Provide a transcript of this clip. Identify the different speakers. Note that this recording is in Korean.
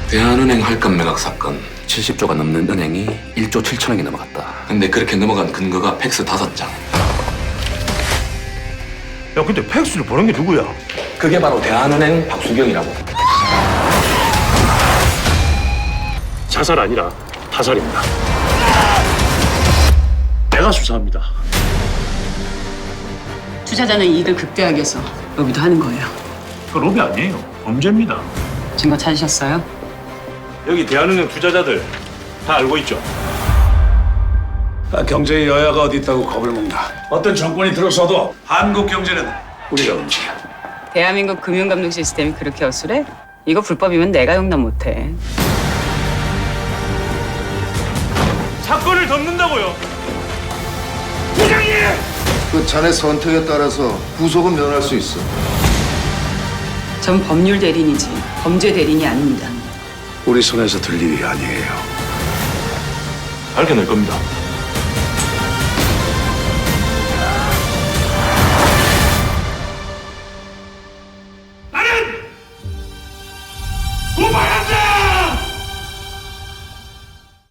Speaker 1: 대한은행 할감 매각 사건.
Speaker 2: 70조가 넘는 은행이 1조 7천억이 넘어갔다.
Speaker 1: 근데 그렇게 넘어간 근거가 팩스 5장.
Speaker 3: 야, 근데 팩스를 보낸 게 누구야?
Speaker 1: 그게 바로 대한은행 박수경이라고.
Speaker 4: 자살 아니라 타살입니다. 내가 수사합니다.
Speaker 5: 투자자는 이익을 극대화하기 위해서 로비도 하는 거예요.
Speaker 4: 그 로비 아니에요. 범죄입니다.
Speaker 5: 증거 찾으셨어요?
Speaker 4: 여기 대한은행 투자자들 다 알고 있죠?
Speaker 6: 경제의 여야가 어디 있다고 겁을 먹나. 어떤 정권이 들어서도 한국 경제는 우리가 움직여.
Speaker 5: 대한민국 금융감독 시스템이 그렇게 어수래? 이거 불법이면 내가 용납 못해.
Speaker 4: 사건을 덮는다고요.
Speaker 7: 그 자네 선택에 따라서 구속은 면할 수 있어.
Speaker 5: 전 법률 대리인이지 범죄 대리인이 아닙니다.
Speaker 6: 우리 손에서 들 일이 아니에요.
Speaker 4: 밝혀낼 겁니다. 나는 고발한다!